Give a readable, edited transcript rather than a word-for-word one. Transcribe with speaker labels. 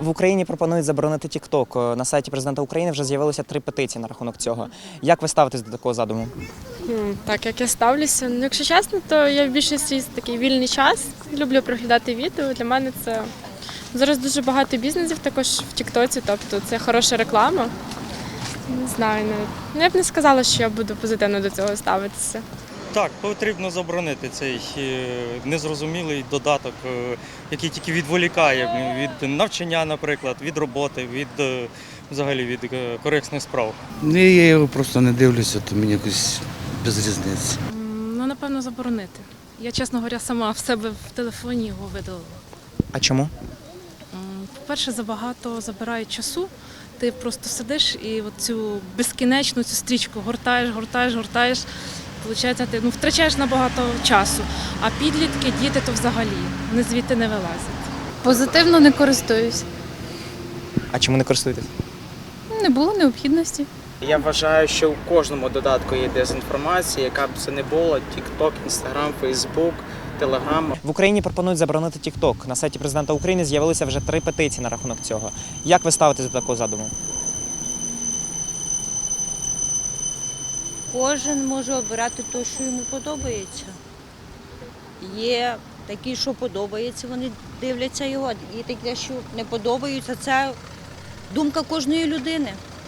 Speaker 1: В Україні пропонують заборонити TikTok. На сайті президента України вже з'явилося 3 петиції на рахунок цього. Як ви ставитесь до такого задуму?
Speaker 2: Так, як я ставлюся. Ну, якщо чесно, то я в більшості такий вільний час. Люблю проглядати відео. Для мене це зараз дуже багато бізнесів також в Тіктоці, тобто це хороша реклама. Не знаю, ну, я б не сказала, що я буду позитивно до цього ставитися.
Speaker 3: Так, потрібно заборонити цей незрозумілий додаток, який тільки відволікає від навчання, наприклад, від роботи, взагалі від корисних справ.
Speaker 4: Я його просто не дивлюся, то мені якось без різниці.
Speaker 5: Ну, напевно, заборонити. Я, чесно говоря, сама в себе в телефоні його видалила.
Speaker 1: А чому?
Speaker 5: По-перше, забагато забирають часу. Ти просто сидиш і цю безкінечну цю стрічку гортаєш. Получається, ти втрачаєш набагато часу. А підлітки, діти то взагалі, вони звідти не вилазять.
Speaker 6: Позитивно не користуюсь.
Speaker 1: А чому не користуєтесь?
Speaker 6: Не було необхідності.
Speaker 7: Я вважаю, що у кожному додатку є дезінформація, яка б це не було: TikTok, Instagram, Facebook, Telegram.
Speaker 1: В Україні пропонують заборонити TikTok. На сайті президента України з'явилися вже 3 петиції на рахунок цього. Як ви ставитесь до такого задуму?
Speaker 8: Кожен може обирати те, що йому подобається. Є такі, що подобається, вони дивляться його, є такі, що не подобаються. Це думка кожної людини.